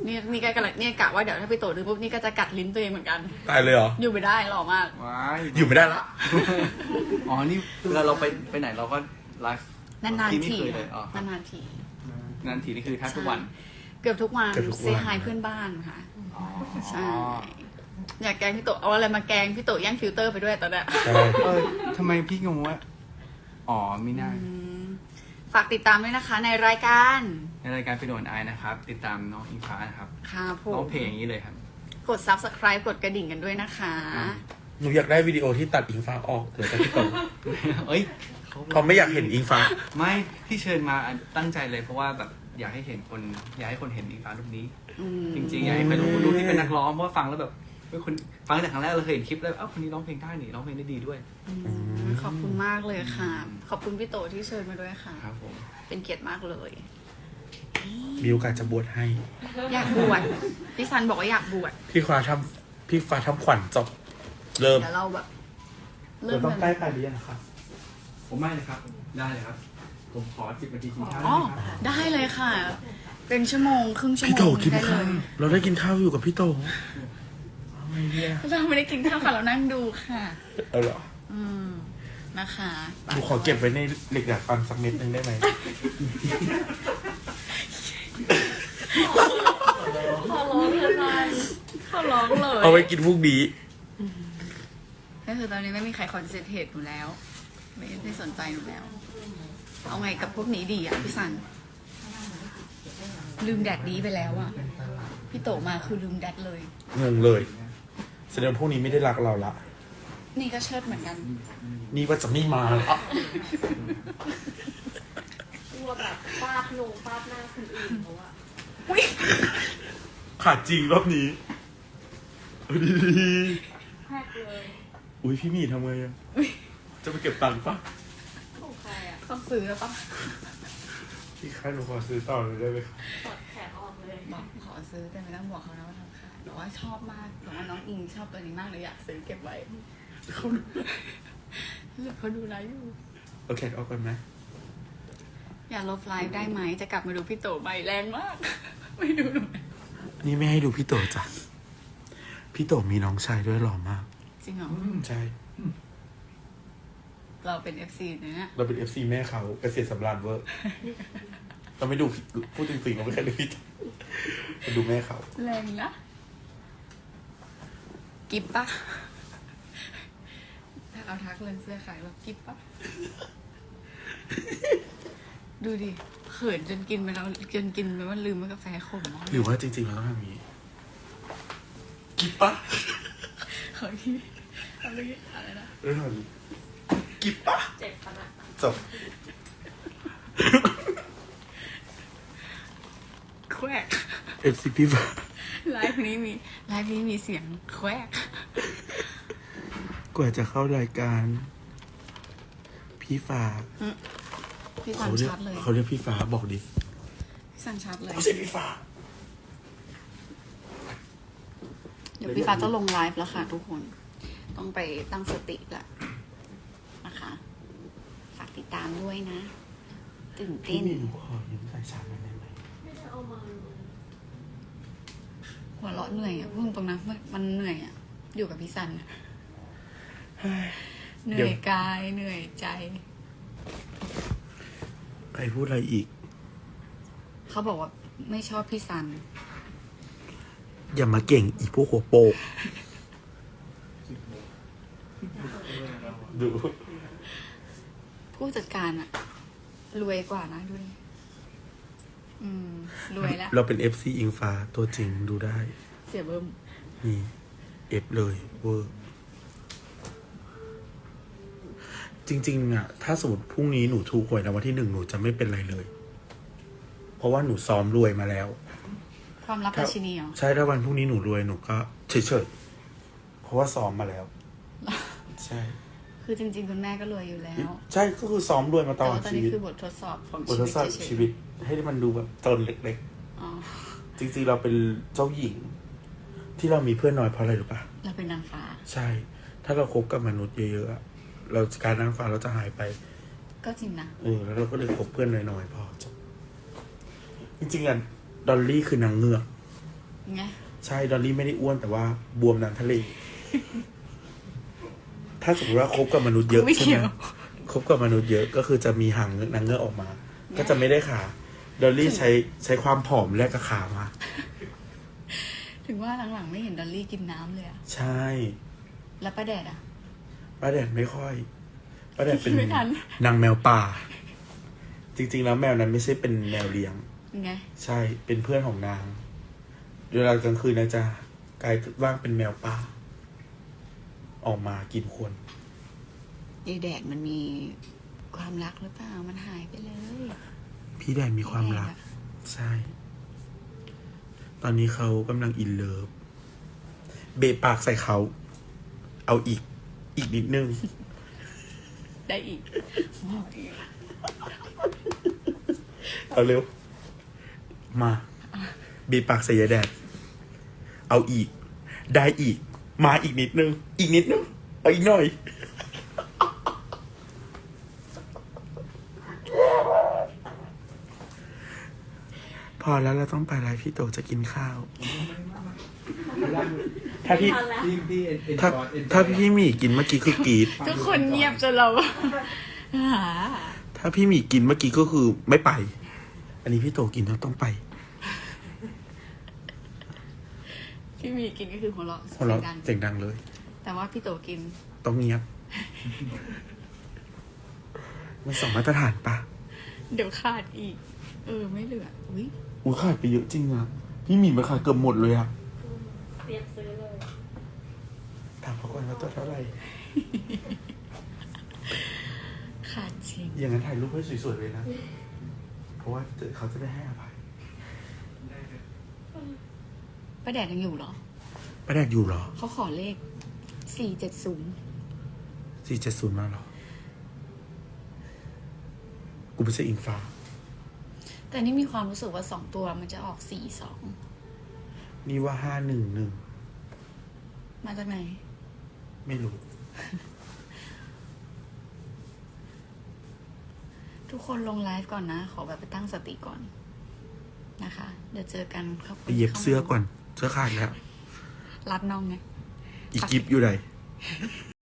นี่ก็กำลังเนี่ยกะว่าเดี๋ยวถ้าพี่โตดูปุ๊บนี่ก็จะกัดลิ้นตัวเองเหมือนกันตายเลยเหรออยู่ไม่ได้หล่อมากว้ายอยู่ไม่ได้ละอ๋อนี่เวลาเราไปไหนเราก็ไลฟ์นานๆไม่ทีเคยเลยอ๋อครับนานๆทีนานทีนี่คือแทบทุกวันเกือบทุกวันเซฮายเพื่อนบ้านค่ะอ๋อใช่อยากแกล้งพี่โตเอาอะไรมาแกล้งพี่โตแย่งฟิลเตอร์ไปด้วยตอนเนี้ยใช่ทำไมพี่งงว่าอ๋อมีหน้าฝากติดตามด้วยนะคะในรายการในรายการไปโดนไอนะครับ ติดตามน้องอิงฟ้านะครับค่ะผน้อมงเพลงอย่างนี้เลยครับกด subscribe กดกระดิ่งกันด้วยนะคะหนูอยากได้วิดีโอที่ตัดอิงฟ้าออกเดี๋ยวจะพี่โตเอ้ยเขาไม่อยากเห็นอิงฟ้าไม่ที่เชิญมาตั้งใจเลยเพราะว่าแบบอยากให้เห็นคนอยากให้คนเห็นอิงฟ้ารูปนี้ จริงๆอยากให้คนดูที่เป็นนักร้องเพราะว่าฟังแล้วแบบเป็นคนฟังแต่ครั้งแรกเราเคยเห็นคลิปแล้วเอ้าคนนี้ร้องเพลงได้นี่ร้องเพลงได้ดีด้วยขอบคุณมากเลยค่ะ ขอบคุณพี่โตที่เชิญมาด้วยค่ะครับผมเป็นเกียรติมากเลยมีโอกาสจะบวชให้อยากบวชพี่ซันบอกว่าอยากบวชพี่ฟ้าทำขวัญจบ เริ่มเดี๋ยวเราแบบเดี๋ยวต้องใกล้ปลายเดือนนะครับผมไม่เลยครับ ได้เลยครับ ผมขอ10 นาทีกินข้าวอ๋อได้ไหมครับได้เลยค่ะ เป็นชั่วโมงครึ่งชั่วพี่โมโตงกินได้เลข้าวย เราได้กินข้าวอยู่กับพี่โตเอาไงเนี่ยเราไม่ได้กินข้าวค่ะเรานั่งดูค่ะเอาเหรอนะคะหนูขอเก็บไว้ในเหล็กดัดฟันสักเม็ดหนึงได้ไหมขอร้องเลยขอร้องเลยเอาไว้กินพวกนี้ก็คือตอนนี้ไม่มีใครคอนเซนเทรตหนูแล้ว ไม่สนใจหนูแล้ว เอาไงกับพวกนี้ดีอ่ะพี่สัน ลืมแดดดีไปแล้วอ่ะ พี่โตมาคือลืมแดดเลยงงเลยแสดงว่าพวกนี้ไม่ได้รักเราละนี่ก็เชิดเหมือนกันนี่ว่าจะไม่มาละกลัวแบบฟาดลงฟาดหน้าคนอื่นเขาอะขาดจริงรอบนี้เอาดีแพกเลยๆอุ้ยพี่หมีทำไงอะจะไปเก็บตังค์ปะของใครอะต้องซื้อแล้วปะพี่คะหนูขอซื้อต่อเลยได้ไหมคะถอดแขนออกเลยบอกขอซื้อแต่ไม่ต้องบอกเขานะว่าทำขายแต่ว่าชอบมากแต่ว่าน้องอิงชอบตัวนี้มากเลยอยากซื้อเก็บไว้เขาดูหรือเขาดูไลฟ์อยู่โอเคเอากันไหมอย่าลบไลฟ์ได้ไหมจะกลับมาดูพี่โตใบแรงมาก ไม่ดูหนูนี่ไม่ให้ดูพี่โตจ้ะพี่โตมีน้องชายด้วยหล่อมากจริงเหรอใช่เราเป็น FC เนี่ยเราเป็น FC แม่เขาเกษตรสำราญเวอร์ เราไม่ดูพูดจริงๆเราไม่เคยดูพี่โตเราดูแม่เขาแรงนะกิฟปะถ้าเอาทักเรื่องเสื้อขายแบบกิฟปะดูดิเขินจนกินไปแล้วจนกินไปว่าลืมว่ากาแฟขมมากหรือว่าจริงๆเราต้องทำอย่างนี้กิบปะขอที่อะไรนะเรื่องอะไรกิบปะเจ็บขนาดจบแควก FC พี่ฟ้าไลฟ์นี้มีเสียงแควกกว่าจะเข้ารายการ พี่ฟ้าพี่สันชัดเลยเขาเรียกพี่ฟ้าบอกดิพี่สันชัดเลยไม่ใช่พี่ฟ้าเดี๋ยวพี่ฟ้าจะลงไลฟ์แล้วค่ะทุกคน ต้องไปตั้งสติละนะคะ ฝากติดตามด้วยนะ ตื่นพี่เต้นมีหนูขอยืมสายชาร์จหน่อยได้ไหมไม่ได้เอามาหัวเราะเหนื่อยอ่ะพูดตรงนะมันเหนื่อยอ่ะ อยู่กับพี่สัน เหนื่อยกายเหนื่อยใจใครพูดอะไรอีกเขาบอกว่าไม่ชอบพี่สันอย่ามาเก่งอีพวกหัวโปกดูผู้จัดการอะรวยกว่านะดูดิรวยแล้วเราเป็น FC อิงฟ้าตัวจริงดูได้เสียเบิ้มนี่เอฟเลยเวอร์จริงๆอ่ะถ้าสมมติพรุ่งนี้หนูถูกหวยรางวัลที่1หนูจะไม่เป็นไรเลย เพราะว่าหนูซ้อมรวยมาแล้วความลับราชินีเหรอใช่ถ้าวันพรุ่งนี้หนูรวยหนูก็เฉยๆเพราะว่าซ้อมมาแล้ว ใช่คือจริงๆคุณแม่ก็รวยอยู่แล้วใช่ก็คือซ้อมรวยมาตแต่ลอดว่าตอนชีนี้วิตคือบททดสอบของบททดสอบเฉยๆชีวิต ให้มันดูแบบตนเล็กอ๋อๆ จริงๆเราเป็นเจ้าหญิง ที่เรามีเพื่อนน้อยเพราะอะไรรู้ปะเราเป็นนางฟ้าใช่ ถ้าเราคบกับมนุษย์เยอะๆอะเราการนั่งฟังเราจะหายไปก็จริงนะแล้วเราก็เลยคบเพื่อนน้อยๆพอจบจริงๆอ่ะดอลลี่คือนางเงือกไงใช่ดอลลี่ไม่ได้อ้วนแต่ว่าบวมน้ำทะเล ถ้าสมมติว่าคบกับมนุษย์เยอะไม่ใช่เกี่ไหยมวคบกับมนุษย์เยอะก็คือจะมีหางนางเงือกออกมา ก็จะไม่ได้ขาดอลลี่ใช้ความผอมแลกกับขามาถึงว่าหลังๆไม่เห็นดอลลี่กินน้ำเลยอะใช่แล้วป้าแดดอะป้าแดดไม่ค่อยป้าแดดเป็นไม่ทันนางแมวป่า จริงๆแล้วแมวนั้นไม่ใช่เป็นแมวเลี้ยงไงใช่เป็นเพื่อนของนางเวลากลางคืนนางจะกลายร่างเป็นแมวป่า ออกมากินคนยายแดดมันมีความรักหรือเปล่า มันหายไปเลยพี่แดนมีความรัก ใช่ ตอนนี้เขากำลังอินเลิฟเบะปากใส่เขา เอาอีกนิดนึงได้อีกบอกอีกเอาเร็ว มาเบะปากใส่ยายแดนเอาอีก ได้อีก มาอีกนิดนึง อีกนิดนึง เอาอีกหน่อย พอแล้วเราต้องไปแล้วพี่โตจะกินข้าว ถ้าพี่ทันแล้วถ้าพี่หมีกินเมื่อกี้คือกรีดทุกคนเงียบจนเราหาถ้าพี่หมีกินเมื่อกี้ก็คือไม่ไป อันนี้พี่โตกินแล้วต้องไปพี่มีกินก็คือหัวเราะเพราะเราเสียงดังเสียงดังเลยแต่ว่าพี่โตกินต้องเงียบ มันสองมาตรฐานปะเดี๋ยวขาดอีก ไม่เหลือ อุ้ยอุ้ยขาดไปเยอะจริงอะพี่หมีมันขาดเกือบหมดเลยอะเตรียมซื้อเลยถามเขาก่อนว่าตัวเท่าไหร่ขาดจริงอย่างนั้นถ่ายรูปให้สวยๆเลยนะ เพราะว่าเขาจะได้ให้อภัยป้าแดดยังอยู่เหรอป้าแดกอยู่เหรอเขาขอเลข 470 470มาเหรอ กูไม่ใช่อิงฟ้าแต่นี่มีความรู้สึกว่า2ตัวมันจะออก 42 นี่ว่า511 มาจากไหนไม่รู้ทุกคนลงไลฟ์ก่อนนะ ขอแบบไปตั้งสติก่อนนะคะ เดี๋ยวเจอกันครับไปเย็บเสื้อก่อน เสื้อขาดแล้วรับน้องไงอีกิฟอยู่ไหน